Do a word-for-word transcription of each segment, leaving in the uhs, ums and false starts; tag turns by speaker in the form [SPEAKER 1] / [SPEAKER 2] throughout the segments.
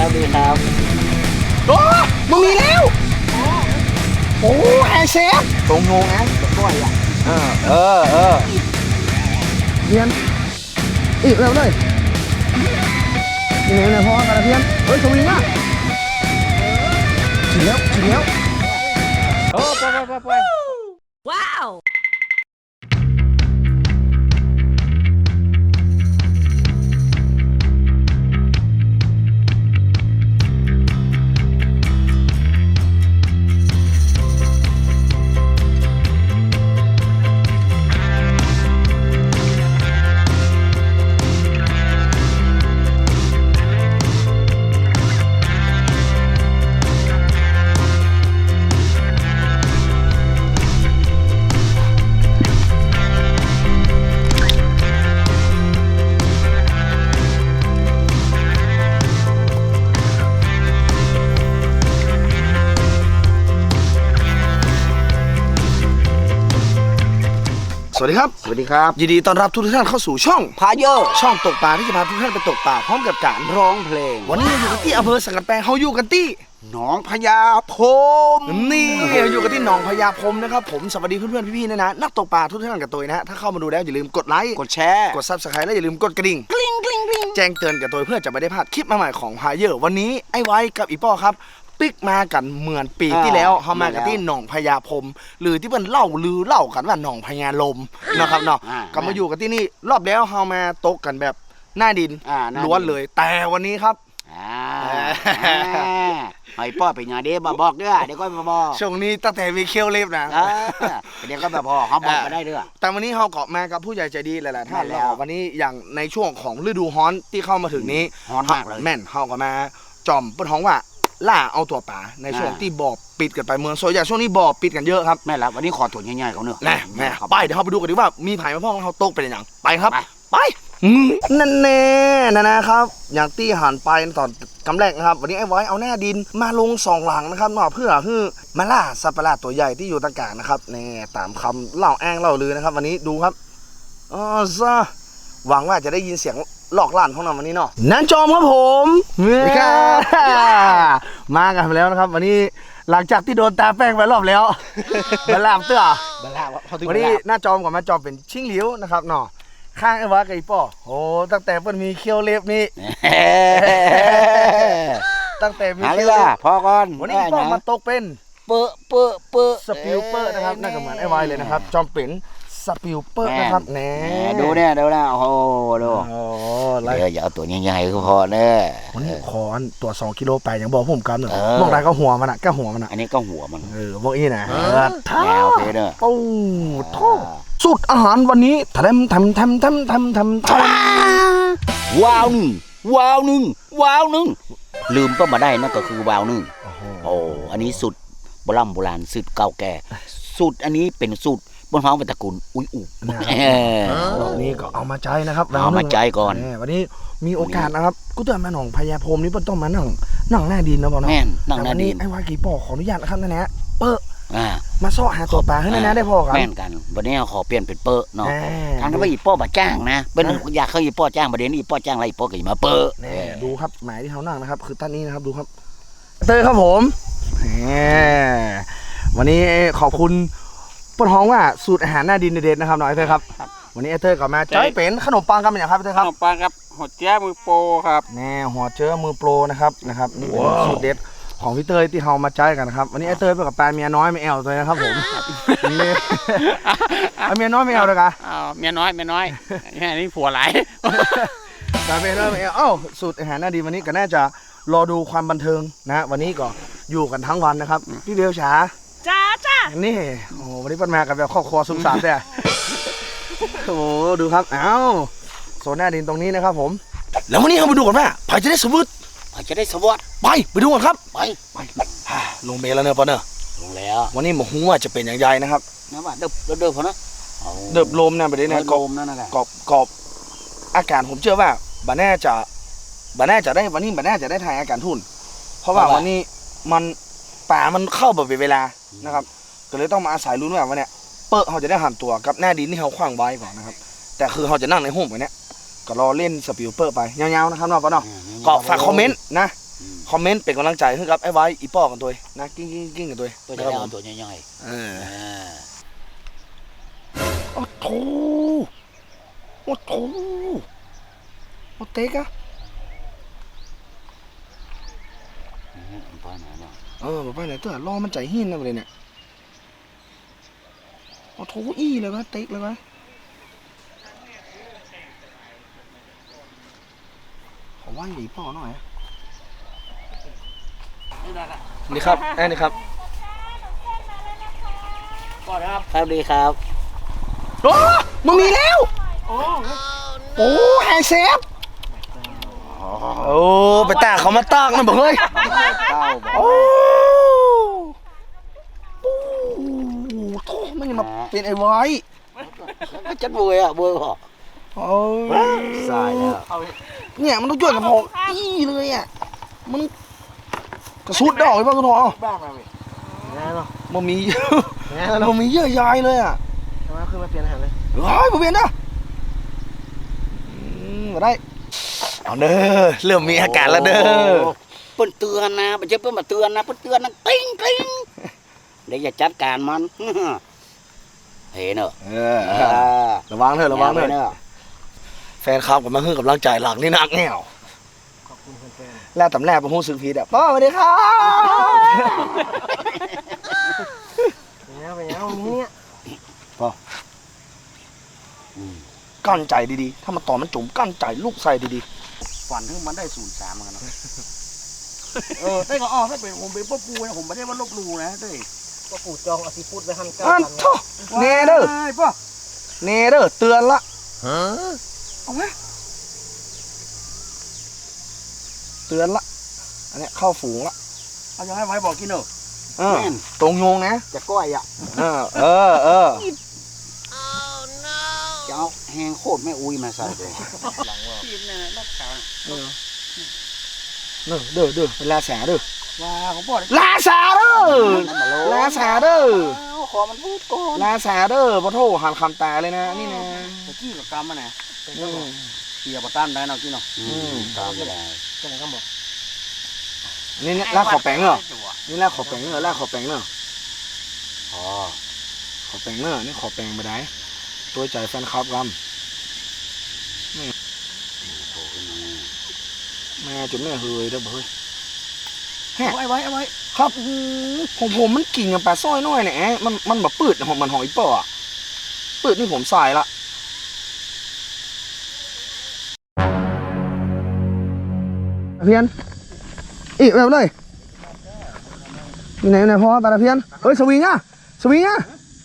[SPEAKER 1] ครับดีครับ
[SPEAKER 2] โอ้มึงมีแล้วโอ้แฮเชฟตรงงงนะตรงก้อยอ่ะเออเออเออเพียนอีกแล้วเลยนี่เลยพ่อกระเพียนเฮ้ยสวิงมากถึงแล้วถึงแล้วโอ้ไปไปไปว้าวสวัสดีครับสวัสดีครับยินดีต้อนรับทุกท่านเข้าสู่ช่องพาเยอร์ช่องตกปลาที่จะพาทุกท่านไปตกปลาพร้อมกับการร้องเพลงวันนี้อยู่กันที่อำเภอสังกะแปงเขาอยู่กันที่หนองพญาพมนี่อยู่กันที่หนองพญาพมนะครับผมสวัสดีเพื่อนๆพี่ๆนะนะนักตกปลาทุกท่านกับตัวนะฮะถ้าเข้ามาดูแล้วอย่าลืมกดไลค์กดแชร์กดซับสไครต์และอย่าลืมกดกระดิ่งกริ๊งกริ๊งกริ๊งแจ้งเตือนกับตัวเพื่อจะไม่ได้พลาดคลิปใหม่ๆของพาเยอร์วันนี้ไอ้ไว้กับอีป้อครับปิกมากันเหมือนปีที่แล้วเขามากันที่หนองพญาพมหรือที่เพิ่นเล่าลือเล่ากันว่าหนองพญาลมนะครับเนาะก็มาอยู่กันที่นี่รอบแล้วเขามาตกกันแบบหน้าดินล้วนเลยแต่วันนี้ครับ
[SPEAKER 1] ไอ้ป้อไปงานเด้มาบอกเด้อเดี๋ยวก็มาบอก
[SPEAKER 2] ช่วงนี้ตั้งแต่มีเคี้ยวเล็บนะ
[SPEAKER 1] เดี๋ยวก็แบบพอเขาบอกมาได้เด้อ
[SPEAKER 2] แต่วันนี้เขาเกาะมากับผู้ใหญ่ใจดีหลายๆท่านแล้ววันนี้อย่างในช่วงของฤดูฮ้อนที่เข้ามาถึงนี้
[SPEAKER 1] ฮ้อนมากเลย
[SPEAKER 2] แม่นเขาก็มาจอมเปิ้นฮ้องว่าล่าเอาตัวป่าในช่วงที่บ่อปิดกันไปเมืองโซยาช่วงนี้บ่อปิดกันเยอะครับ
[SPEAKER 1] แม่แล้ววันนี้ขอตรวจง่ายๆเขาเนอะ
[SPEAKER 2] แน่แม่ไปเดี๋ยวเราไปดูกันดีว่ามีไผ่มาพ่องเขาตกเป็นอย่างไปครับไปนั่นแน่นะนะครับอย่างที่หันไปตอนกำแรกนะครับวันนี้ไอ้ไว้เอาหน้าดินมาลงสองหลังนะครับเนาะเพื่อคือมาล่าสัตว์ประหลาดตัวใหญ่ที่อยู่ตะกางนะครับแน่ตามคำเล่าแอ้งเล่าลือนะครับวันนี้ดูครับอ๋อซะหวังว่าจะได้ยินเสียงหลอกล่านของเราวันนี้เนาะนั่นจอมครับผมมากันแล้วนะครับวันนี้หลังจากที่โดนตาแป้งไปรอบแล้วบลามเตื้อวันนี้หน้าจอมกับมาจอมเป็นชิงเหลียวนะครับเนาะข้างไอ้วะไก่ป้อโอ้ตั้งแต่เพิ่นมีเคี้ยวเล็บนี่ตั้งแต่มีเคี้ยวเล็บ
[SPEAKER 1] พอก่อน
[SPEAKER 2] วันนี้ป้อมาตกเป็น
[SPEAKER 1] เปอะเปอะเปอะ
[SPEAKER 2] สปิลเปอร์นะครับน่าจะเหมือนไอ้ไวเลยนะครับจอมเป็นสปิลเปอร์นะครับแน่
[SPEAKER 1] ดูเนี่ยดูนะโอ้โหดูเดี๋ยวอย่าเอาตัวใหญ่ๆก็พอเนอะ
[SPEAKER 2] วันนี้ขอตัวสองกิโลไปอย่างบอกผมกันหนึ่งมองได้ก็หัวมันอ่ะก็หัวมันอ่ะ
[SPEAKER 1] อันนี้ก็หัวมัน
[SPEAKER 2] เออบอกอีนะ
[SPEAKER 1] แนวเพเนอะ
[SPEAKER 2] ปูท้อสุดอาหารวันนี้ทำทำทำทำทำทำท
[SPEAKER 1] ำว้าวหนึ่งว้าวหนึ่งว้าวหนึ่งลืมก็มาได้นั่นก็คือว้าวหนึ่งโอ้อันนี้สุดโบราณโบราณสุดเก่าแก่สุดอันนี้เป็นสุดบนท้องเป็นตระกูลอุ้ยอุ
[SPEAKER 2] วันนี้ก็เอามาใจนะครับ
[SPEAKER 1] เอามาใจก่อน
[SPEAKER 2] วันนี้มีโอกาสนะครับกูเตือนมาหนองพญาพมนี่เพิ่นต้องมานั่งนั่งหน้าดินนะพ่อเนาะ
[SPEAKER 1] แม่นนั่งหน้าดิน
[SPEAKER 2] ไอ้วากีปอขออนุญาตนะครับนั่นแหละเปอะมาซ่อหาตัวปลาให้นะได้พ่อครับ
[SPEAKER 1] แม่นกันวันนี้ขอเปลี่ยนเป็นเปอะเนาะทางนั้นว่าอีป้อมาจ้างนะเป็นอยากเขาอีป้อจ้างประเด็นอีป้อจ้างอะไรอีป้อก็มาเปอะ
[SPEAKER 2] ดูครับหมายที่เขานั่งนะครับคือท่านนี้นะครับดูครับเตยครับผมวันนี้ขอบคุณปนห้องว่าสูตรอาหารหน้าดินเด็ดๆนะครับน้อยเตยครับวันนี้ไอ้เตยก็มาจ้อยเป็นขนมปังกันเป็นอย่างครับเตยครับ
[SPEAKER 3] ขนมปังครับหัวเจ้ามือโปรครับ
[SPEAKER 2] แน่หัวเจ้ามือโปรนะครับนะครับนี่เป็นสูตรเด็ดของพี่เตยที่เฮามาใจกันนะครับวันนี้ไอ้เตยไปกับแฟนเมียน้อยไม่แอลเลยนะครับผมนี่เอาเมียน้อยไม่แอลเลยกัน
[SPEAKER 3] อ้าวเมียน้อยเมียน้อยแค่นี้ผัวไหล
[SPEAKER 2] แฟนเมียน้อยไม่แอลอ้าวสูตรอาหารหน้าดินวันนี้ก็น่าจะรอดูความบันเทิงนะวันนี้ก็อยู่กันทั้งวันนะครับพี่เบลช้า
[SPEAKER 4] จ้าจ้า
[SPEAKER 2] นี่โอ้วันนี้ปั้นมากับแบบครอบครัวสุขสันต์เนี่ยโอ้ดูครับอ้าวโซนหน้าดินตรงนี้นะครับผมแล้ววันนี้เราไปดูกันว่าไผ่จะได้สมุด
[SPEAKER 1] ไผ่จะได้สวัสดิ์
[SPEAKER 2] ไปไปดูกันครับ
[SPEAKER 1] ไป
[SPEAKER 2] ไปลงเมลแล้วเนอะปะเนอะ
[SPEAKER 1] ลงแล้ว
[SPEAKER 2] วันนี้หมอหูว่าจะเป็นอย่างไรนะครับ
[SPEAKER 1] นะว่าเดิบเดิบพอนะ
[SPEAKER 2] เดิบลมนะประเด็นนะ
[SPEAKER 1] กอบนั่นแหละ
[SPEAKER 2] กอบกอบอากาศผมเชื่อว่าบ้านแน่จะบ้านแน่จะได้วันนี้บ้านแน่จะได้ถ่ายอากาศทุ่นเพราะว่าวันนี้มันป่ามันเข้าแบบเวลานะครับก็เลยต้องมาอาศัยลุ้นว่าวันนี้เปิดเขาจะได้หันตัวกับหน้าดินที่เขาขว้างไว้ก่อนนะครับแต่คือเขาจะนั่งในห้องแบบนี้ก็รอเล่นสปิลเปอร์ไปยาวๆนะครับเนาะปะเนาะก็ฝากคอมเมนต์นะคอมเมนต์เป็นกำลังใจให้กับไอ้ไว้อีป้อกันตัวนะกิ้งกิ้งกิ้งกันตัว
[SPEAKER 1] ตัวจะได้เอาตัวย่อย
[SPEAKER 2] เออ
[SPEAKER 1] ๆอ่า
[SPEAKER 2] โอ้โถโอ้โถโอ้เต๊กอะ
[SPEAKER 1] อืมไปไหนเนาะ
[SPEAKER 2] เออไปไหนตัวรอมันใจหินนะประเด็นเนี่ยโอ้โถอี้เลยวะเต๊กเลยวะขอว่าอีป้อหน่อยนี่ครับแอนนี่ครับ
[SPEAKER 1] ก็ครับครับดีครับ
[SPEAKER 2] โอ้มึงมีแล้วโอ้แฮนเซฟโอ้ไปตากเขามาตากมันบอกเฮ้ย
[SPEAKER 1] เต้าบอก
[SPEAKER 2] โอ้โอ้โถมันยังมาเป็นไอ้ไว้
[SPEAKER 1] จัดบุยอ่ะบุยบอก
[SPEAKER 2] โอ้ย
[SPEAKER 1] สายแล้ว
[SPEAKER 2] เนี่ยมันต้องช่วยกับผมอี้เลยอ่ะมันกระสุดดอกเลยป่ะคุณพ่อ
[SPEAKER 3] บ้างมาพี่
[SPEAKER 2] มันมีมันมีเยอะยายเลยอ่ะ
[SPEAKER 3] ทำไมขึ้นมาเปลี่ยนอาหารเลย
[SPEAKER 2] เฮ้ยผมเปลี่ยนนะอืมมาได้เอาเด้อเริ่มมีอาการแล้วเด้อ
[SPEAKER 1] เปิ้นเตือนนะไม่ใช่เปิ้นมาเตือนนะเปิ้นเตือนนะติ้งติ้งเดี๋ยวอย่าจัดการมัน เห็นเนอะ
[SPEAKER 2] เออระวังเถอะระวังเถ
[SPEAKER 1] เน
[SPEAKER 2] อะ
[SPEAKER 1] อะ
[SPEAKER 2] แฟนคลับกับมาฮื้อกำลังใจหลักนี่นักแง่วแล้วตำแหน่งประหูสึกผิดอ่ะป้าสวัสดีครับ
[SPEAKER 3] เป็นยังเป็นยังนี้เนี่ย
[SPEAKER 2] กั้นใจดีๆ ถ้ามันต่อมันจุ่มกั้นใจลูกใส่ดี
[SPEAKER 1] ฝันถึงมันได้ศูนย์สามเหมือนกันเนอะ
[SPEAKER 3] เออเต้ก็อ้อถ้าเป็นผมเป็นพ่อปูนะผมไม่ได้ว่าลบลูนะเต้พ่อปูจองอธิพุทธไว้หัน
[SPEAKER 2] ๆ
[SPEAKER 3] ก้า
[SPEAKER 2] อัน
[SPEAKER 3] พัน
[SPEAKER 2] โทเนเด้อ
[SPEAKER 3] พ่อ
[SPEAKER 2] เนเด้อเตือนละ
[SPEAKER 3] เอาไหม
[SPEAKER 2] เตือนละอันเนี้ยเข้าฝูงละ
[SPEAKER 3] เอายังให้ไว้บอกกินเนอะ
[SPEAKER 2] เออตรงโยงนะ
[SPEAKER 3] จะก้อยอ่ะ
[SPEAKER 2] เออเออเออ
[SPEAKER 1] จะเอาแหงโคตรไม่อุ้ยมาใส่เลย
[SPEAKER 3] ทีมเนี่ยรถขาว
[SPEAKER 2] เออเด้อเด้อเด้อลาแสเด้อ
[SPEAKER 3] ว้าของพ่อ
[SPEAKER 2] ลาแสเด้อลาแสเด้อ
[SPEAKER 3] ขอมันพูดก่อน
[SPEAKER 2] ลาแสเด้อปะโถหันคำตาเลยนะนี่นะ
[SPEAKER 3] ตะกี้กับกรรมมันนะเกี่ยวกับต้านได้เนาะกี้เนาะ
[SPEAKER 1] อืมตามไม่ได้
[SPEAKER 3] จังครับบอก
[SPEAKER 2] นี่เนี่ยลากขอแปงเหรอนี่ลากขอแปงเหรอลากขอแปงเหรอ
[SPEAKER 1] อ๋อ
[SPEAKER 2] ขอแปงเนอะนี่ขอแปงไปได้ตัวใจแฟนคลับกำ
[SPEAKER 1] โผล่ขึ้นมา
[SPEAKER 2] แม่จุดแม่เฮยเด้อบ่เฮ้ย
[SPEAKER 3] เอาไว้ไว้เอาไว้
[SPEAKER 2] ครับของผมมันกิ่งกับปลาสร้อยน้อยเนี่ยมันมันแบบปืดของมันหอยป่ออะปืดนี่ผมใส่ละเพียนอีกแบบเลยมีไหนไหนพอปลาเพียนเฮ้ยสวิงอ่ะสวิงอ่ะ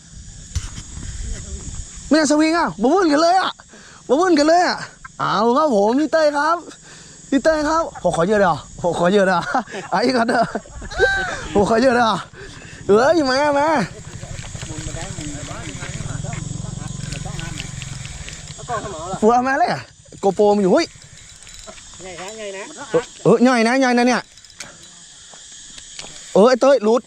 [SPEAKER 2] ไม่ใช่สวิงอ่ะบ่วุ่นกันเลยอ่ะบ่วุ่นกันเลยอ่ะเอาครับผมพี่เต้ยครับพี่เต้ยครับผมขอเยอะเด้อผมขอเยอะเด้อไอ้กันเด้อผมขอเยอะเด้อเอ้ยมามาฟัวมาเลยอ่ะโกโปรมันอยู่เฮ้ย
[SPEAKER 3] ใหญ่นะใหญ่นะ
[SPEAKER 2] เออใหญ่นะใหญ่นะเนี่ยเออไอ้เต้ยหลุด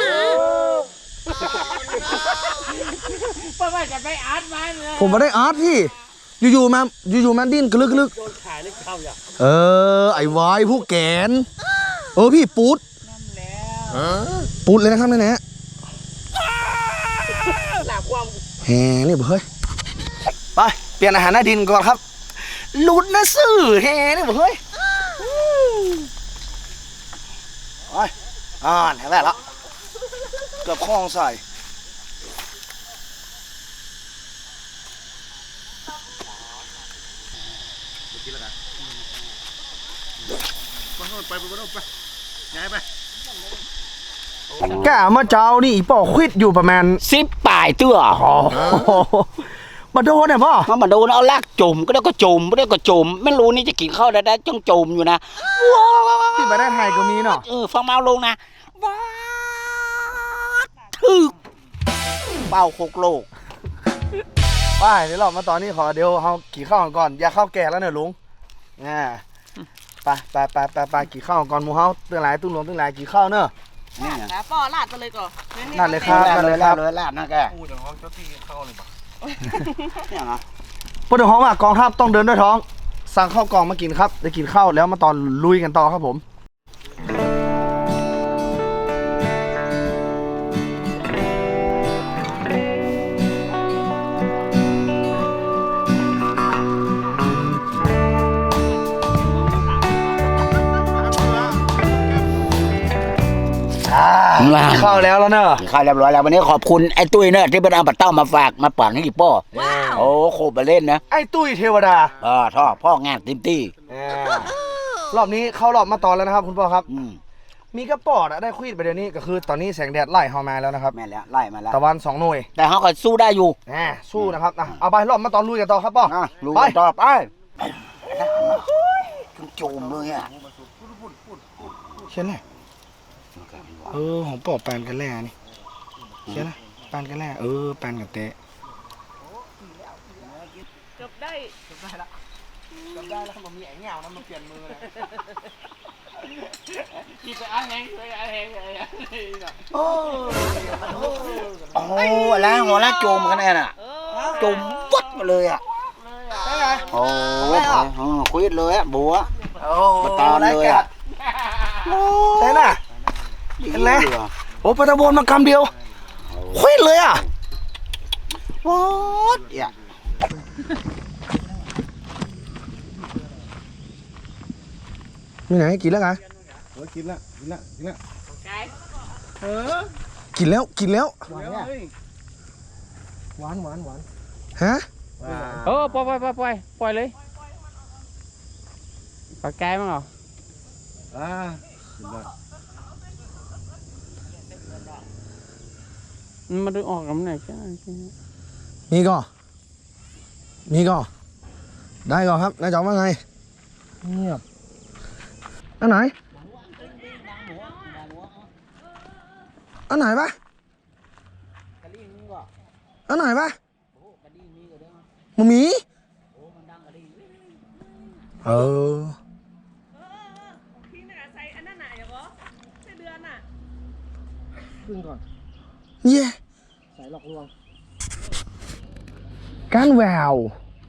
[SPEAKER 3] เพราะว่าจะไปอาร์ตมันเลย
[SPEAKER 2] ผมมาได้อาร์ตพี่อยู่ๆมาอยู่ๆมาดิ้นกระลึกกระลึก
[SPEAKER 3] โดนขายเลยเข้าอย่าง
[SPEAKER 2] เออไอ้วายผู้แกนเออพี่ปูด
[SPEAKER 3] นั่นแล้ว
[SPEAKER 2] ปูดเลยนะครับนี่นะ
[SPEAKER 3] หลักความ
[SPEAKER 2] แหมนี่เฮ้ยไปเปลี่ยนอาหารหน้าดินก่อนครับหลุดนะซื่อแหนี่เฮ้ยโอ้ยอ่านเห็นแล้วละเกือบคล้องใส่แกมาเจ้านี่ป่อควิดอยู่ประมาณ
[SPEAKER 1] สิบป่ายเตื้อ
[SPEAKER 2] อ๋อมาโดนเนี่ยพ่อ
[SPEAKER 1] มามาโดนเอาลากจุ่มก็ได้ก็จุ่มก็ได้ก็จุ่มไม่รู้นี่จะกินข้าวได้ได้จ้องจุ่มอยู่นะว้าว
[SPEAKER 2] ที่มาได้ไทยก็มีเนาะ
[SPEAKER 1] เออฟังเมาลงนะว้าถึกเป้าโคกโลก
[SPEAKER 2] ไปเดี๋ยวเรามาตอนนี้ขอเดี๋ยวเขากี่ข้าวก่อนอย่าเข้าวแก่แล้วเนี่ยลุงอ่าไปไปไปไปไปกี่ข้าวก่อนหมูเฮาตื้อหลายตุ้งหลวงตื้อหลายกี่ข้าวเนอะ
[SPEAKER 1] นี่ไง
[SPEAKER 4] แล้วป่อลาดไปเลยก่อน
[SPEAKER 2] นั่นเลยครับ
[SPEAKER 1] ลา
[SPEAKER 2] นั่
[SPEAKER 1] ด
[SPEAKER 2] น
[SPEAKER 1] เล
[SPEAKER 2] เลย ยค
[SPEAKER 1] ลา
[SPEAKER 2] รั
[SPEAKER 1] ด
[SPEAKER 2] บ
[SPEAKER 1] เลยลาดนะแก
[SPEAKER 3] อู้เดี๋ยวเขาเจ้าที่เข้าเลยปะ
[SPEAKER 1] เนี่ยนะ
[SPEAKER 2] พูดถึงของว่ากองทัพต้องเดินด้วยท้อง สั่งข้าวกล่องมากินครับได้กินข้าวแล้วมาตอนลุยกันต่อครับผม
[SPEAKER 1] ลา
[SPEAKER 2] เข้าแล้วแล้วเนอะ
[SPEAKER 1] ข้าวเรียบร้อยแล้ววันนี้ขอบคุณไอ้ตุ้ยเนอะที่เป็นเอาบัตรเต้ามาฝากมาปั่นให้อีป้อโอ้โคบมาเล่นนะ
[SPEAKER 2] ไอ้ตุ้ยเทวดา
[SPEAKER 1] อ่าท่อพ่องานติมตี้
[SPEAKER 2] อ่ารอบนี้เข้ารอบมาตอนแล้วนะครับคุณพ่อครับ
[SPEAKER 1] อืม
[SPEAKER 2] มีกระป๋อดอะได้คุยไปเดี๋ยวนี้ก็คือตอนนี้แสงแดดไล่เข้ามาแล้วนะครับ
[SPEAKER 1] แม่นแล้วไล่มาแล้ว
[SPEAKER 2] ตะวันสองหน่วย
[SPEAKER 1] แต่เขาก็สู้ได้อยู่
[SPEAKER 2] แหมสู้นะครับอ่ะเอาไปรอบมาตอนลุยกันต่อครับป้อ
[SPEAKER 1] อ่ะรู้
[SPEAKER 2] ไป
[SPEAKER 1] กันต่อไปโจมเลยอ่ะ
[SPEAKER 2] เช่นไรเออของปอบแปนกันแล่นี่เช่นไรแปนกันแล่เออแปนกับเตะ
[SPEAKER 4] จบได้
[SPEAKER 2] จำได้แล้วมันมีไอ้เงานะมันเปลี่ยนมือเลย
[SPEAKER 4] ที่ไปอาแหงไปอาแหงอะไรอ่ะ
[SPEAKER 2] โอ้
[SPEAKER 1] โอ้แล้วหัวละโจมกันแน่น่ะโจมวัดมาเลยอ่ะ
[SPEAKER 2] ได้ไง
[SPEAKER 1] โอ้คุยเลยอ่ะบัว
[SPEAKER 2] โอ้
[SPEAKER 1] มาตอนเลยอ่ะ
[SPEAKER 2] ได้น่ะ เห็นไหม โอ้ปะตะโบนมากำเดียวคุยเลยอ่ะ
[SPEAKER 1] วัดอ่ะ
[SPEAKER 2] มีไหนกินแล้วไง
[SPEAKER 3] กินละกินละกินละ
[SPEAKER 4] เออ
[SPEAKER 2] กินแล้วกินแล้ว
[SPEAKER 3] หวานหวานหวาน
[SPEAKER 2] ฮะ
[SPEAKER 4] เออปล่อยปล่อยปล่อยปล่อยปล่อยเลยปากแกมั้งเหรอ
[SPEAKER 3] อ่า
[SPEAKER 4] มันดึงออกกับไหนใช่ไหม
[SPEAKER 2] มีก่อมีก่อได้ก่อครับนายจอมว่าไงเงียบอันไหนอันไหนปะอันไหนปะมึงมีเออ
[SPEAKER 4] พี่น่ะใส่อันนั้นน่ะอย่างวะใส่เดือนน่ะ
[SPEAKER 3] ขึ้นก่อน
[SPEAKER 2] เย่
[SPEAKER 3] ใส่หลอกลวง
[SPEAKER 2] การแวว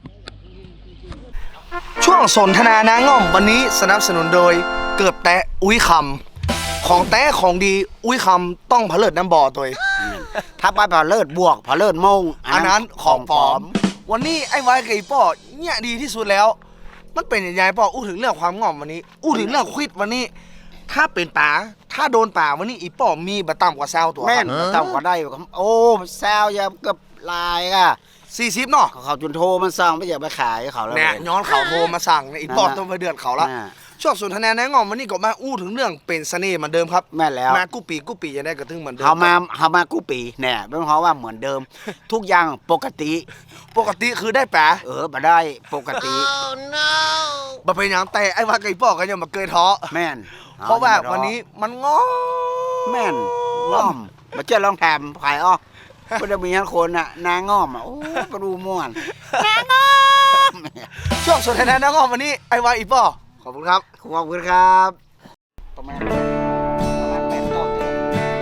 [SPEAKER 2] ช่วงสนทนานางง่อมวันนี้สนับสนุนโดยเกิบแตะอุ้ยคำของแตะของดีอุ้ยคำต้องผลิตน้ำบ่อตัวเอง
[SPEAKER 1] ถ้าไปผ่าเลิศบวกผ่าเลิศมง
[SPEAKER 2] อันนั้นของปลอม วันนี้ไอ้ไว้กับไอ้ป้อเนี่ยดีที่สุดแล้ว มันเป็นยังไงป้ออู้ถึงเรื่องความง่อมวันนี้ อู้ถึงเรื่องควิดวันนี้ ถ้าเป็นป่าถ้าโดนป่าวันนี้อีป้อมีบะต่ำกว่าแซวตัว
[SPEAKER 1] แม่นต่ำกว่าได้ครับโอ้แซวอย่าเกือบลายอ่ะ
[SPEAKER 2] สี่สิบเนาะ
[SPEAKER 1] เขาจุนโทรมันสั่งไม่อยากไปขายเขาแล้ว
[SPEAKER 2] เนี่ยย้อนเขาโทรมาสั่งเนี่ยอีป้อ
[SPEAKER 1] นั่นน่ะ
[SPEAKER 2] ต้องไปเดือดเขาละ
[SPEAKER 1] น่ะ
[SPEAKER 2] ช่วงสนทนาแนะงอมวันนี้ก็มาอู้ถึงเรื่องเป็นเสน่ห์เหมือนเดิมครับ
[SPEAKER 1] แม่นแล้ว
[SPEAKER 2] มากู้ปีกู้ปียังได้กระทึงเหมือนเดิม
[SPEAKER 1] เขามาเขามากู้ปีแน่เป็นเพราะว่าเหมือนเดิม ทุกอย่างปกติ
[SPEAKER 2] ปกติคือได้แปะ
[SPEAKER 1] เออมาได้ปกติ
[SPEAKER 2] มาเป็นอย่างแต่ไอ้ว่าไก่ป้อกันยังมาเกยท้อ
[SPEAKER 1] แม่น
[SPEAKER 2] เพราะว่าวันนี้มันง้อ
[SPEAKER 1] แม่นง่อมมาเจ้าลองแถมขายอ้อก็จะมีคนอ่ะนางง่อมอ่ะโอ้กระดูม่วนนางง่อม
[SPEAKER 2] ช่วงสนทนาแนะงอมวันนี้ไอ้ว่าอีป้อขอบคุณครับ
[SPEAKER 1] ขอบคุณครับประมาณประมาณแปดเก้าเดือน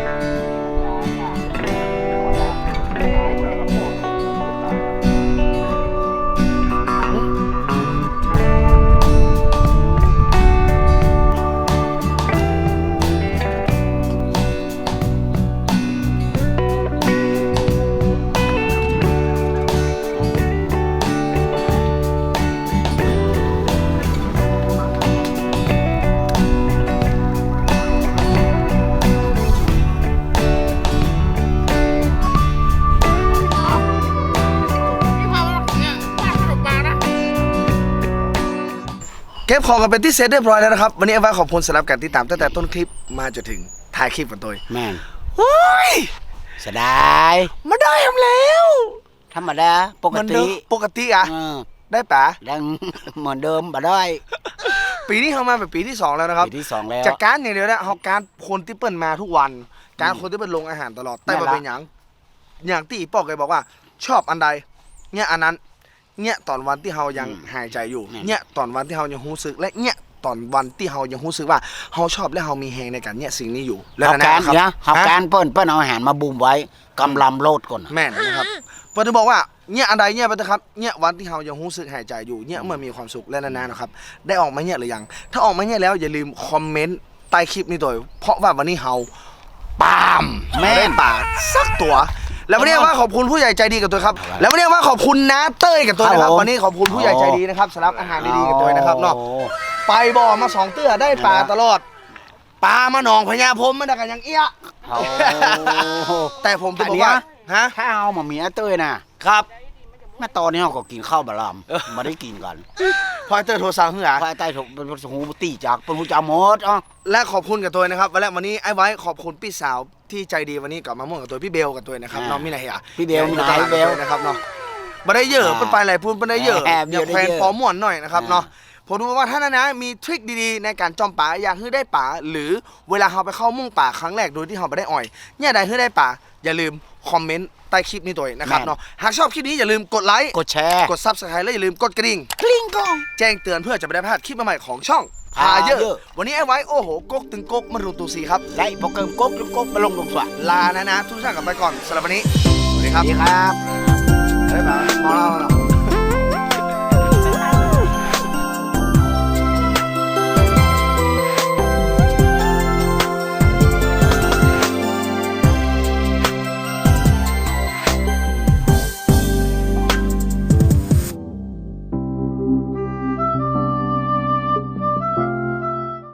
[SPEAKER 2] เก็บของกันเป็นที่เสร็จเรียบร้อยแล้วนะครับวันนี้ไอ้ว่าขอบคุณสำหรับการติดตามตั้งแต่ต้นคลิปมาจนถึงท้ายคลิปกันตัว
[SPEAKER 1] แม่น
[SPEAKER 2] โอ้ย
[SPEAKER 1] เสียดาย
[SPEAKER 2] มาได้ทำแล้ว
[SPEAKER 1] ธรรมดาปก
[SPEAKER 2] เหมือน
[SPEAKER 1] ติ
[SPEAKER 2] เดิมปกติอ่ะ
[SPEAKER 1] เออ
[SPEAKER 2] ได้ปะ
[SPEAKER 1] ดังเหมือนเดิมบ่ได้
[SPEAKER 2] ปีนี้เข้ามาเป็นปีที่สองแล้วนะครับ
[SPEAKER 1] ปีที่สองแล้ว
[SPEAKER 2] จากการอย่างเดียวนะเขาการคนที่เปิ้ลมาทุกวัน การคนที่เปิ้ลลงอาหารตลอดแต่
[SPEAKER 1] นั่
[SPEAKER 2] มาน
[SPEAKER 1] ละ
[SPEAKER 2] เป็นอย่างอย่างที่อีปอกเคยบอกว่า ชอบอันใดเนี่ยอันนั้นเนี่ยตอนวันที่เรายังหายใจอยู่เนี่ยตอนวันที่เรายังรู้สึกและเนี่ยตอนวันที่เรายังรู้สึกว่าเราชอบและเรามีแฮงในการเนี่ยสิ่งนี้อยู่แล้ว
[SPEAKER 1] เขา
[SPEAKER 2] นะ
[SPEAKER 1] การ
[SPEAKER 2] ครับ
[SPEAKER 1] เนี่ยเขา
[SPEAKER 2] ฮะ
[SPEAKER 1] การเปิ้นเปิ้นเอาอาหารมาบุมไว้กำลำโลดก่อน
[SPEAKER 2] แม่นนะครับเปิ้ลจะบอกว่าเนี่ยอันใดเนี่ยไปเถอะครับเนี่ยวันที่เรายังรู้สึกหายใจอยู่เนี่ยเมื่อมีความสุขและนานๆนะครับได้ออกมาเนี่ยหรือยังถ้าออกมาเนี่ยแล้วอย่าลืมคอมเมนต์ใต้คลิปนี้ตัวเพราะว่าวันนี้เราปามแม่นป่าสักตัว แล้ววันนี้ว่าขอบคุณผู้ใหญ่ใจดีกับตัวครับ แล้ววันนี้ว่าขอบคุณน้าเต้ยกับตัวนะครับวันนี้ขอบคุณผู้ใหญ่ใจดีนะครับสำหรับอาหารดีๆกับตัวนะครับเนาะไปบ่อมาสองเตื้อได้ปลาตลอดปลามาหนองพญาพรมมันได้กันยังเอี้ย
[SPEAKER 1] โอ้
[SPEAKER 2] แต่ผมจะบอกว่าฮะ
[SPEAKER 1] ถ้าเอามาเมียเต้ยน่ะ
[SPEAKER 2] ครับ
[SPEAKER 1] แม่ตอนนี้เราก็กินข้าวบะลำมาได้กินกัน
[SPEAKER 2] พอยเตอร์โทรสั่งเหือ
[SPEAKER 1] ภายใต้ถูกเป็นหูตีจากเป็นหูจามดอ่ะ
[SPEAKER 2] และขอบคุณกับตัวนะครับวันแรกวันนี้ไอ้ไว้ขอบคุณพี่สาวที่ใจดีวันนี้กับมาม่วงกับตัวพี่เบลกับตัวนะครับน้องมินาเฮีย
[SPEAKER 1] พี่เบลมีไหนเบล
[SPEAKER 2] นะครับเนาะบันไดเยอะเป็นไปหลายพูนบันไดเยอะ
[SPEAKER 1] แอบ
[SPEAKER 2] เดี๋ยว
[SPEAKER 1] เยอะ
[SPEAKER 2] แควน
[SPEAKER 1] เยอะ
[SPEAKER 2] ปอม่วนหน่อยนะครับเนาะผมดูว่าท่านนะมีทริคดีๆในการจอมป่าอยากให้ได้ป่าหรือเวลาเราไปเข้ามุ่งป่าครั้งแรกโดยที่เราไม่ได้อ่อยเนี่ยใดให้ได้ป่าอย่าลืมคอมเมนต์ใต้คลิปนี้ตัวเองนะครับเนาะหากชอบคลิปนี้อย่าลืมกดไลค์
[SPEAKER 1] กดแชร์
[SPEAKER 2] กดซับสไครต์และอย่าลืมกดกระดิ่ง
[SPEAKER 1] กลิ้งกอง
[SPEAKER 2] แจ้งเตือนเพื่อจะไม่ได้พลาดคลิปใหม่ๆของช่องพาเยอะ
[SPEAKER 1] พาเยอะ
[SPEAKER 2] วันนี้ไอ้ไว้โอ้โหกกถึงกกมารูตูซีครับ
[SPEAKER 1] และพอเกิมก๊กกกมาลงลงสวะ
[SPEAKER 2] ลานะนะทุกท่านกลับไปก่อนสำหรับวันนี้สวัสดีครับ
[SPEAKER 1] ดีครับ
[SPEAKER 2] บ๊ายบายมองเรา